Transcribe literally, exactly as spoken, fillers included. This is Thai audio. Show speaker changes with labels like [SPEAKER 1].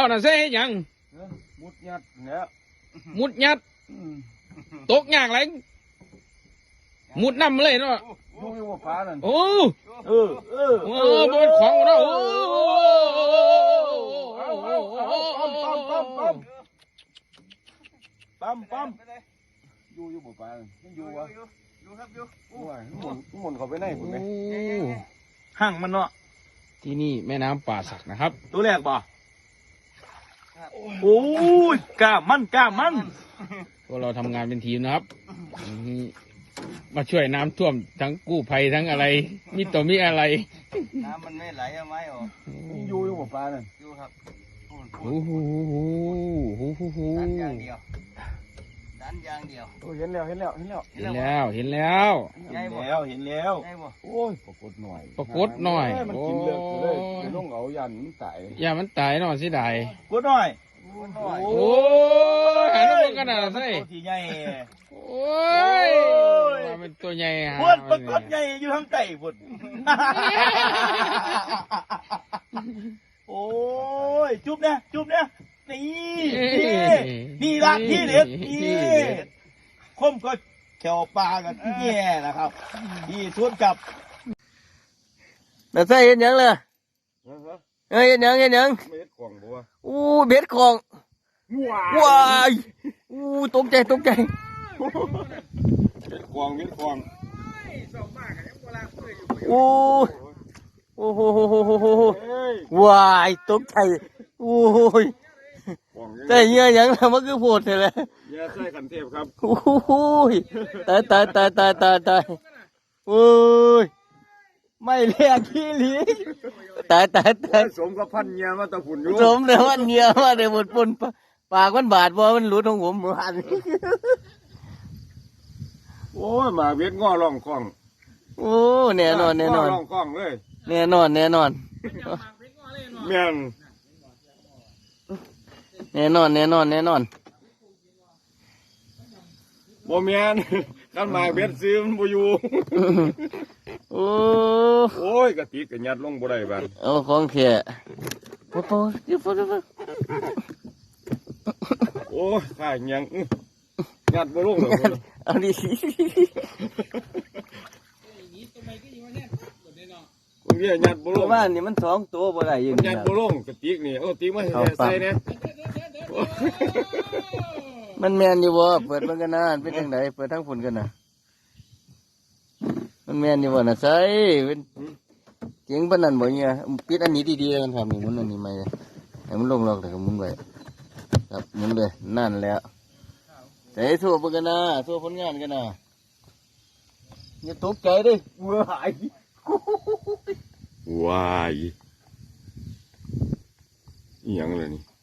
[SPEAKER 1] น่ะใส่ให้ยัง
[SPEAKER 2] มุดยัดเนี่ย
[SPEAKER 1] มุดยัดตกยากไรมุดน้ำเลยเนาะ
[SPEAKER 2] ดูอยู่ว่าฟ้านั่น
[SPEAKER 1] โอ้
[SPEAKER 2] เออเออ
[SPEAKER 1] เออมันของเนาะโอ้
[SPEAKER 2] ปั๊มปั๊มอยู่อยู่บ่ฟ้ามันอยู่วะอยู่ครับอยู่โอ้ยหมุนหมุนเข้าไปไหนคุณไหมห่างมันเนาะ
[SPEAKER 1] ที่นี่แม่น้ำป่าสักนะครับ
[SPEAKER 2] ตัวแรกบ่โอ้ยกล้ามันกล้ามัน
[SPEAKER 1] พวกเราทำงานเป็นทีมนะครับมาช่วยน้ำท่วมทั้งกู้ภัยทั้งอะไรมีตัวมีอะไร
[SPEAKER 3] น้ำมันไม่ไหลเอาไม้ออก
[SPEAKER 2] อยู่อยู่บ่ฟ้านั่น
[SPEAKER 3] อยู่ครับ
[SPEAKER 1] โอ้โหโอ้โห
[SPEAKER 3] ดันอย่างเดียวดันอย่างเดียว
[SPEAKER 2] โอ้เห็นแล้วเห็นแล้วเห็นแล้ว
[SPEAKER 1] เห็นแล้วเห็นแล้ว
[SPEAKER 2] เห็นแล้วเห็นแล้วโอ้ยปรากฏหน่อย
[SPEAKER 1] ปรากฏหน่อย
[SPEAKER 2] มันกินเลือดเลยจะลงเอายันมันตาย
[SPEAKER 1] ยันมันตายหน่อยสิได้
[SPEAKER 2] ปรากฏหน่อย
[SPEAKER 1] โอ้ยหันมาขนาดนั้นสิ
[SPEAKER 2] ตัวใหญ่
[SPEAKER 1] โอ้ยเป็นตัวใหญ่ฮะ
[SPEAKER 2] ปวดปรากฏใหญ่อยู่ทางใต้ปวดโอ้ยจุ๊บเนี่ยจุ๊บเนี่ยนี่นี่นี่ละที่เด็ดนี่คมก็แถวปลากันแย่นะครับที่ทุนจับ
[SPEAKER 3] แต่ใส่เห็นยังเลยเฮ้ยเห็นยังเห็นยัง
[SPEAKER 2] เบ็ดของบัว
[SPEAKER 3] อู้เบ็ดของว้ายอู้ตกใจตกใจ
[SPEAKER 2] เบ็ดของเบ็ดของ
[SPEAKER 3] อู้โอ้โหว้ายตกใจโอ้ยแต่เงี้ยยังแล้วมันคือโผล่เลย
[SPEAKER 2] เงี้ยใส่ขันเทพครับ
[SPEAKER 3] โอ้ยตายตายตายตายตายตายโอ้ยไม่เรียกขี้หลีตายตายตาย
[SPEAKER 2] สมกับพันเงี้ยมาตะฝุ่นอยู่
[SPEAKER 3] สมเดี๋ยววันเงี้ยมาเดี๋ยวหมดปุ่นปากมันบาดบ่มันหลุดของผมเหมือน
[SPEAKER 2] โอ้ยมาเวียดง้อร่องกล้อง
[SPEAKER 3] โอ้แน่นอนแน่นอน
[SPEAKER 2] ร่องกล้องเลย
[SPEAKER 3] แน่นอนแน่นอน
[SPEAKER 2] แม่น
[SPEAKER 3] แน่นอนแน่นอนแน่นอน
[SPEAKER 2] บ่แม่นกันมาเวียดซื้อมันบ่อยู่
[SPEAKER 3] โอ้
[SPEAKER 2] โอ้ยกะติกะยัดลงบ่ได้บ้าน
[SPEAKER 3] โอ้ของแท้โอ้โหอยู่ฟุด
[SPEAKER 2] โอ้ยข้ายังยัดบ่ลงหรอก
[SPEAKER 3] เอาดิ
[SPEAKER 2] ผมเนี่ยยัดบ่ลง
[SPEAKER 3] บ้านนี่มันสองตัวบ่ได้ยิน
[SPEAKER 2] ยัดบ่ลงกะติกนี่เอาติกมาใส่เนี่ย
[SPEAKER 3] มันแมนอยู่บ่เปิดมันกันนะเป็นจังไดเปิดทั้งฝุ่นกันนะมันแมนอยู่บ่น่ะใส่เป็นเจ๋งปานนั้นบ่เนี่ยปิดอันนี้ดีๆแล้วกันครับนี่หมุนอันนี้ใหม่ให้มันลงล็อกแล้วก็หมุนไว้ครับหมุนเลยนั่นแล้วใส่ทั่วเบิ่งกันนะทั่วผลงานกันนะอย่าตกใจดิว้าย
[SPEAKER 2] ว้ายอีหยังเลยนี่